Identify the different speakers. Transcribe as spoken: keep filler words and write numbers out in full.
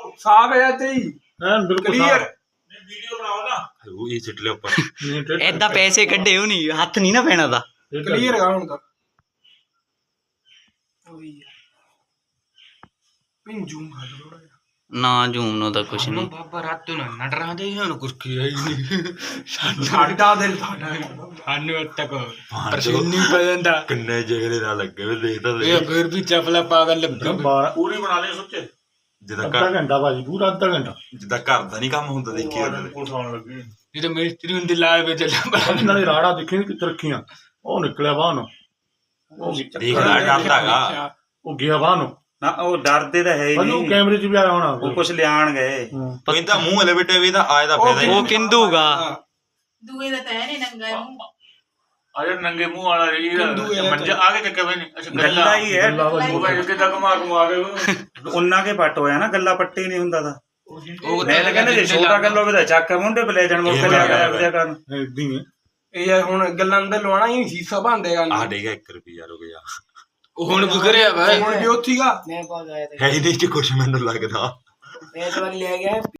Speaker 1: ਸਾਫ ਹੈ ਤੇ ਹੀ
Speaker 2: ਐਨ ਬਿਲਕੁਲ
Speaker 1: ਕਲੀਅਰ
Speaker 3: ਵੀਡੀਓ ਬਣਾਓ ਨਾ
Speaker 4: ਉਹ ਇਹ ਸਿੱਟ ਲਿਆ ਉੱਪਰ
Speaker 5: ਏਦਾਂ ਪੈਸੇ ਕੱਢੇ ਉਹ ਨਹੀਂ ਹੱਥ ਨਹੀਂ ਨਾ ਪੈਣਾ ਦਾ
Speaker 1: ਕਲੀਅਰ ਹੈਗਾ ਹੁਣ ਤਾਂ ਉਹੀ ਪਿੰਜੂ ਮਾਰ ਥੋੜਾ ਜਿਹਾ
Speaker 5: ਨਾ ਜੂਮ ਨੂੰ ਤਾਂ ਕੁਛ ਨਹੀਂ
Speaker 6: ਬਾਬਾ ਰਾਤ ਨੂੰ ਨਟ ਰਹਾ ਦੇ ਇਹਨਾਂ ਕੁਛ ਕੀ ਹੈ ਨਹੀਂ
Speaker 1: ਸਾਡਾ ਦਿਲ ਸਾਡਾ
Speaker 6: ਸਾਨੂੰ ਤੱਕ ਪਰਸੀਨੀ ਪੈ ਜਾਂਦਾ
Speaker 4: ਕਿੰਨੇ ਜਿਗਰੇ ਨਾਲ ਲੱਗੇ ਵੇ ਦੇਖਦਾ
Speaker 6: ਇਹ ਫਿਰ ਵੀ ਚਪਲਾ ਪਾਗਲ ਲੱਗਾ
Speaker 2: ਬਾਰਾਂ
Speaker 3: ਪੂਰੀ ਬਣਾ ਲਿਓ ਸੁੱਚੇ
Speaker 4: ਜਿੱਦਾਂ
Speaker 2: ਅੱਧਾ
Speaker 4: ਘਰ
Speaker 2: ਘੰਟਾ ਭਾਜੀ ਪੂਰਾ ਅੱਧਾ ਘੰਟਾ
Speaker 4: ਜਿੱਦਾਂ ਘਰ ਦਾ ਨਹੀਂ ਕੰਮ ਹੁੰਦਾ ਦੇਖੀ ਉਹਦੇ
Speaker 3: ਪੁਲਿਸ ਆਉਣ ਲੱਗੀ
Speaker 6: ਇਹ ਤਾਂ ਮਿਸਤਰੀ ਹੁੰਦੀ ਲਾਲ ਵਿੱਚ ਚੱਲਿਆ
Speaker 2: ਨਾਲੇ ਰਾੜਾ ਦੇਖੀ ਕਿੱਥੇ ਰੱਖੀਆਂ ਉਹ ਨਿਕਲਿਆ ਬਾਹਰ ਨੂੰ ਉਹ
Speaker 4: ਦੇਖਦਾ ਡਰਦਾਗਾ
Speaker 2: ਉਹ ਗਿਆ ਬਾਹਰ ਨੂੰ
Speaker 7: ਨਾ ਉਹ ਡਰਦੇ ਤਾਂ ਹੈ ਹੀ
Speaker 2: ਉਹਨੂੰ
Speaker 7: ਨਹੀਂ
Speaker 2: ਕੈਮਰੇ 'ਚ ਵੀ ਆਇਆ ਹੋਣਾ
Speaker 7: ਉਹ ਕੁਛ ਲਿਆਣ ਗਏ
Speaker 4: ਉਹ ਇਹਦਾ ਮੂੰਹ ਹਲੇ ਬੇਟੇ ਵੀ ਇਹਦਾ ਆਏ ਦਾ ਫਾਇਦਾ
Speaker 5: ਉਹ ਕਿੰਦੂਗਾ
Speaker 8: ਦੂਏ ਦਾ ਤਾਂ ਹੈ ਨੀ ਨੰਗਾ ਮੂੰਹ
Speaker 3: ਅਜੇ ਨੰਗੇ ਮੂੰਹ ਵਾਲਾ ਰਹੀ ਮੰਜਾ ਆ ਕੇ ਚੱਕੇ ਬਈ ਨਹੀਂ ਅੱਛਾ
Speaker 7: ਗੱਲਾਂ ਹੀ ਹੈ
Speaker 3: ਉਹ ਭਾਈ ਕਿੱਦਾਂ ਘੁਮਾ ਘੁਮਾ ਕੇ
Speaker 7: ਉਹਨਾਂ ਕੇ ਪੱਟ ਹੋਇਆ ਨਾ ਗੱਲਾਂ ਪੱਟੀ ਨਹੀਂ ਹੁੰਦਾ ਤਾਂ ਮੈਂ ਤਾਂ ਕਹਿੰਦਾ ਜੇ ਛੋਟਾ ਗੱਲ ਹੋਵੇ ਤਾਂ ਚੱਕ ਮੁੰਡੇ ਬਲੇ ਜਾਣ ਮੁੱਕ ਲਿਆ ਕਰਿਆ ਵਿਦਿਆ ਕਰਨ
Speaker 2: ਏਦਾਂ ਹੀ ਹੈ
Speaker 1: ਇਹ ਹੁਣ ਗੱਲਾਂ ਅੰਦਰ ਲਵਾਣਾ ਹੀ ਸੀਸਾ ਬੰਦੇਗਾ
Speaker 4: ਆ ਡੇਗਾ ਇੱਕ ਰੁਪਿਆ ਰੁਪਿਆ
Speaker 6: ਉਹ ਹੁਣ ਵਿਗੜਿਆ ਵਾ
Speaker 1: ਹੁਣ ਵੀ ਉੱਥੀਗਾ
Speaker 9: मैं बहुत आया था
Speaker 4: ਹੈ ਹੀ ਨਹੀਂ ਚ ਕੁਛ ਮੈਨੂੰ ਲੱਗਦਾ
Speaker 9: मैं तो ले गया